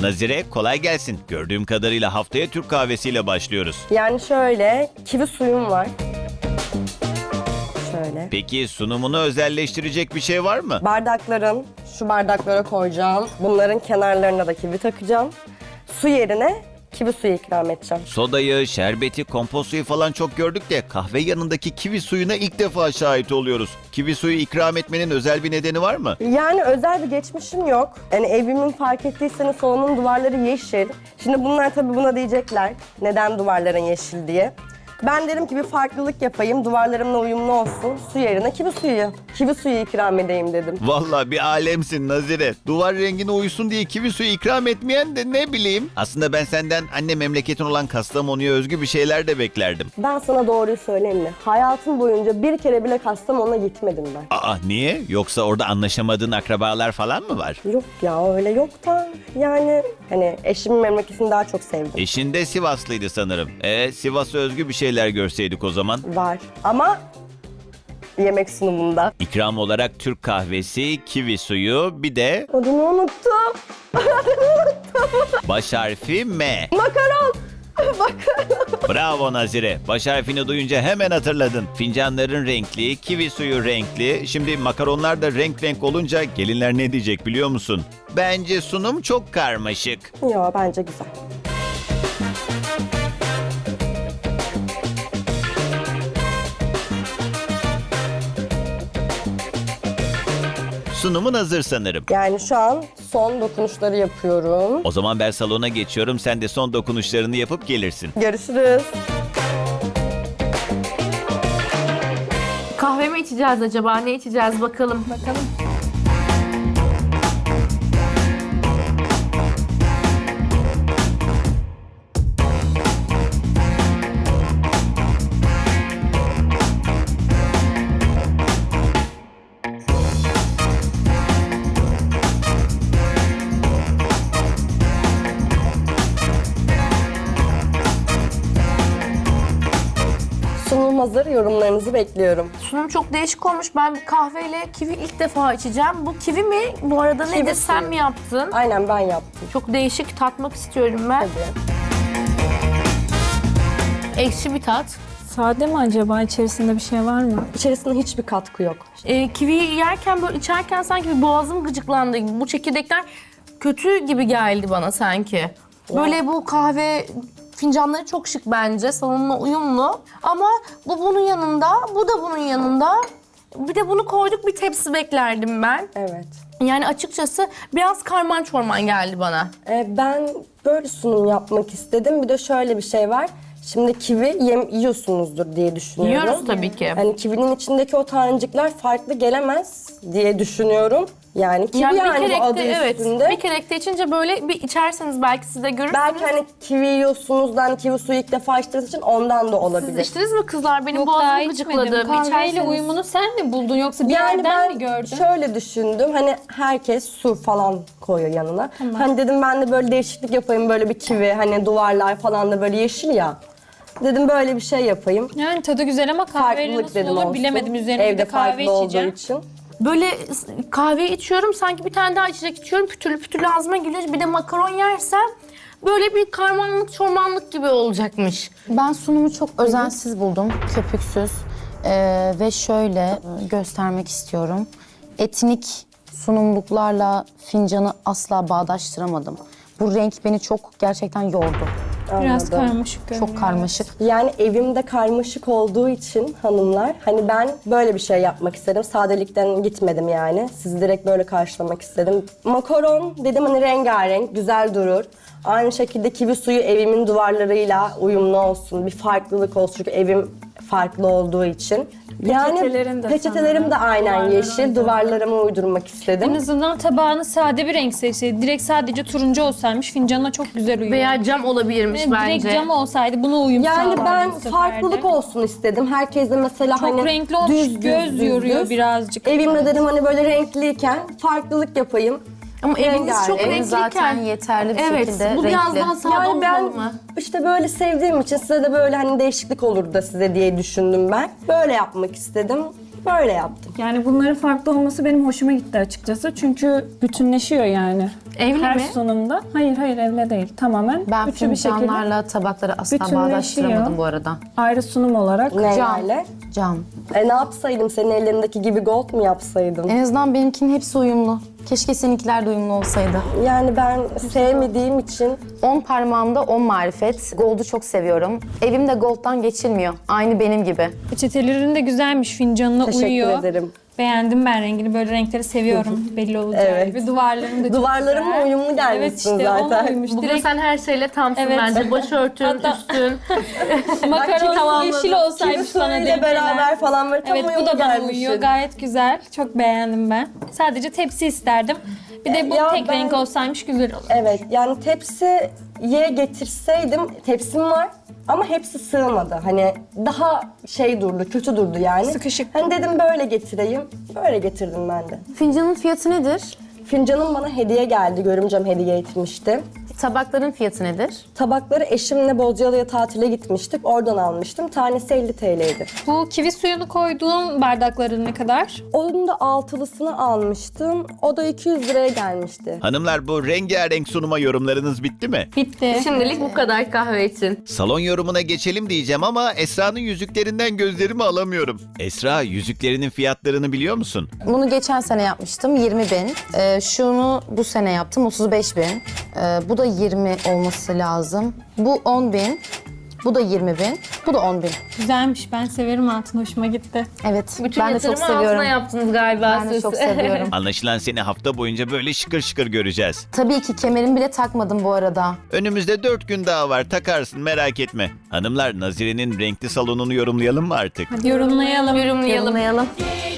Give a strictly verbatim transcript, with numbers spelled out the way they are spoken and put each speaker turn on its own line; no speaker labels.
Nazire kolay gelsin. Gördüğüm kadarıyla haftaya Türk kahvesiyle başlıyoruz.
Yani şöyle, kivi suyum var. Şöyle.
Peki sunumunu özelleştirecek bir şey var mı?
Bardakların, şu bardaklara koyacağım. Bunların kenarlarına da kivi takacağım. Su yerine kivi suyu ikram edeceğim.
Sodayı, şerbeti, kompost suyu falan çok gördük de kahve yanındaki kivi suyuna ilk defa şahit oluyoruz. Kivi suyu ikram etmenin özel bir nedeni var mı?
Yani özel bir geçmişim yok. Yani evimin fark ettiyseniz salonun duvarları yeşil. Şimdi bunlar tabii buna diyecekler. Neden duvarların yeşil diye. Ben derim ki bir farklılık yapayım, duvarlarımla uyumlu olsun. Su yerine kivi suyu, kivi suyu ikram edeyim dedim.
Vallahi bir alemsin Nazire. Duvar rengine uysun diye kivi suyu ikram etmeyen de ne bileyim. Aslında ben senden anne memleketin olan Kastamonu'ya özgü bir şeyler de beklerdim.
Ben sana doğruyu söyleyeyim mi? Hayatım boyunca bir kere bile Kastamonu'na gitmedim ben.
Aa niye? Yoksa orada anlaşamadığın akrabalar falan mı var?
Yok ya öyle yok da yani hani eşimin memleketini daha çok sevdim.
Eşin de Sivaslıydı sanırım. E Sivas'a özgü bir şeyler görseydik o zaman.
Var ama yemek sunumunda.
İkram olarak Türk kahvesi, kivi suyu, bir de
Adını unuttum.
baş harfi M.
Makaron. Makaron.
Bravo Nazire. Baş harfini duyunca hemen hatırladın. Fincanların renkli, kivi suyu renkli. Şimdi makaronlar da renk renk olunca gelinler ne diyecek biliyor musun? Bence sunum çok karmaşık.
Yo bence güzel.
Sunumun hazır sanırım.
Yani şu an son dokunuşları yapıyorum.
O zaman ben salona geçiyorum. Sen de son dokunuşlarını yapıp gelirsin.
Görüşürüz.
Kahve mi içeceğiz acaba? Ne içeceğiz bakalım.
Bakalım.
Sunum hazır, yorumlarınızı bekliyorum.
Sunum çok değişik olmuş. Ben bir kahveyle kivi ilk defa içeceğim. Bu kivi mi? Bu arada
Kivi
nedir? Sen
suyu.
mi yaptın?
Aynen ben yaptım.
Çok değişik, tatmak istiyorum ben.
Hadi.
Ekşi bir tat.
Sade mi acaba? İçerisinde bir şey var mı?
İçerisinde hiçbir katkı yok.
Ee, kiviyi yerken böyle içerken sanki bir boğazım gıcıklandı. Bu çekirdekler kötü gibi geldi bana sanki. Böyle bu kahve fincanları çok şık bence. Salonla uyumlu. Ama bu bunun yanında, bu da bunun yanında. Bir de bunu koyduk, bir tepsi beklerdim ben.
Evet.
Yani açıkçası biraz karman çorman geldi bana.
Ee, ben böyle sunum yapmak istedim. Bir de şöyle bir şey var. Şimdi kivi yem, yiyorsunuzdur diye düşünüyorum.
Yiyoruz tabii ki.
Yani kivinin içindeki o tanecikler farklı gelemez diye düşünüyorum. Yani kivi yani,
Yani bir
bu adı
kerekte evet,
üstünde.
bir kerekte içince böyle bir içerseniz belki siz de görürsünüz.
Belki hani kivi yiyorsunuz da hani kivi suyu ilk defa içtiğiniz için ondan da olabilir.
Siz içtiniz mi kızlar? Benim
Yok, daha
boğazım
içmedim.
gıcıkladı. Bir
Kahveyle
içerseniz.
uyumunu sen mi buldun yoksa bir
Yani
yerden
ben
mi gördün?
şöyle düşündüm. Hani herkes su falan koyuyor yanına. Hani dedim ben de böyle değişiklik yapayım. Böyle bir kivi hani duvarlar falan da böyle yeşil ya. Dedim böyle bir şey yapayım.
Yani tadı güzel ama kahveyle
Farklılık
nasıl
dedim
olur
olsun.
bilemedim. Üzerine bir
Evde
de kahve
farklı olduğu
içeceğim.
için.
Böyle kahve içiyorum, sanki bir tane daha içecek içiyorum. Pütürlü pütürlü ağzıma geliyor. Bir de makaron yersem böyle bir karmanlık çormanlık gibi olacakmış.
Ben sunumu çok özensiz buldum, köpüksüz. Ee, ve şöyle göstermek istiyorum. Etnik sunumluklarla fincanı asla bağdaştıramadım. Bu renk beni çok gerçekten yordu.
Biraz
Anladım.
karmaşık görünüyor.
Çok karmaşık.
Yani evimde karmaşık olduğu için hanımlar hani ben böyle bir şey yapmak istedim. Sadelikten gitmedim yani. Sizi direkt böyle karşılamak istedim. Makaron dedim hani rengarenk, güzel durur. Aynı şekilde kivi suyu evimin duvarlarıyla uyumlu olsun. Bir farklılık olsun çünkü evim farklı olduğu için.
Peçetelerin de
peçetelerim de
sanırım
aynen
duvarlara
yeşil.
uygun.
Duvarlarıma uydurmak
En
istedim.
azından tabağını sade bir renk seçseydi. Direkt sadece turuncu olsaymış fincanına çok güzel uyuyor.
Veya cam olabilirmiş
Yani
bence.
direkt cam olsaydı buna uyum
Yani
sağlardı
ben
bu sefer de.
farklılık olsun istedim. Herkes de mesela
Çok
hani
renkli olmuş,
düz, düz,
göz
düz,
yoruyor
düz.
birazcık.
Evimde dedim hani böyle renkliyken farklılık yapayım.
Ama eviniz
Rengarenk.
çok
Evin
renkliyken.
zaten yeterli bir
Evet,
şekilde
bu biraz
renkli.
daha sade
Yani ben
olmalı mı?
işte böyle sevdiğim için size de böyle hani değişiklik olur da size diye düşündüm ben. Böyle yapmak istedim. Böyle yaptım.
Yani bunların farklı olması benim hoşuma gitti açıkçası. Çünkü bütünleşiyor yani.
Evli
Her
mi?
sunumda. Hayır hayır evle değil. Tamamen
Ben
üçü bir şekilde
fincanlarla tabakları asla
bütünleşiyor.
bağdaştıramadım bu arada.
ayrı sunum olarak.
Ne
Cam.
yani?
Cam.
E ne yapsaydım? Senin ellerindeki gibi gold mu yapsaydım?
En azından benimkinin hepsi uyumlu. Keşke seninkiler de uyumlu olsaydı.
Yani ben sevmediğim için
on parmağımda on marifet. Gold'u çok seviyorum. Evim de gold'dan geçilmiyor. Aynı benim gibi.
Peçetelerin de güzelmiş, fincanına
teşekkür
uyuyor.
ederim.
Beğendim ben rengini. Böyle renkleri seviyorum. Belli olacağı
Evet.
gibi. Duvarlarım da çok
Duvarlarımla
güzel.
uyumlu gelmişsin
Evet işte
zaten.
ona uymuş.
Bugün
Direkt
sen her şeyle tamsın
Evet.
bence. Başörtün,
Hatta-
üstün.
makaron
tamamladım.
yeşil olsaymış bana
Kimisiyle
denk
beraber
gelen.
falan böyle tam
Evet bu
uyumlu
da bana
gelmişsin.
uyuyor. Gayet güzel. Çok beğendim ben. Sadece tepsi isterdim. Bir de bu
Ya
tek
ben-
renk olsaymış güzel olur.
Evet yani tepsiye getirseydim, tepsim var ama hepsi sığmadı. Hani daha şey durdu, kötü durdu yani.
Sıkışık.
Hani dedim böyle getireyim, böyle getirdim ben de.
Fincanın fiyatı nedir?
Fincanım bana hediye geldi, görümcem hediye etmişti.
Tabakların fiyatı nedir?
Tabakları eşimle Bozcaada'ya tatile gitmiştik, oradan almıştım. Tanesi elli T L'ydi.
Bu kivi suyunu koyduğun bardakların ne kadar?
Onun da altılısını almıştım, o da iki yüz liraya gelmişti.
Hanımlar bu rengarenk sunuma yorumlarınız bitti mi?
Bitti.
Şimdilik bu kadar kahve için.
Salon yorumuna geçelim diyeceğim ama Esra'nın yüzüklerinden gözlerimi alamıyorum. Esra, yüzüklerinin fiyatlarını biliyor musun?
Bunu geçen sene yapmıştım yirmi bin. Ee, şunu bu sene yaptım otuz beş bin. Ee, bu da yirmi olması lazım. Bu on bin. Bu da yirmi bin. Bu da on bin.
Güzelmiş. Ben severim altın. Hoşuma gitti.
Evet.
Bütün
ben de çok
yatırımı altına
seviyorum.
yaptınız galiba
Ben de
siz.
çok seviyorum.
Anlaşılan seni hafta boyunca böyle şıkır şıkır göreceğiz.
Tabii ki kemerimi bile takmadım bu arada.
Önümüzde dört gün daha var, takarsın merak etme. Hanımlar, Nazire'nin renkli salonunu yorumlayalım mı artık?
Yorumlayalım.
Yorumlayalım.
Yorumlayalım.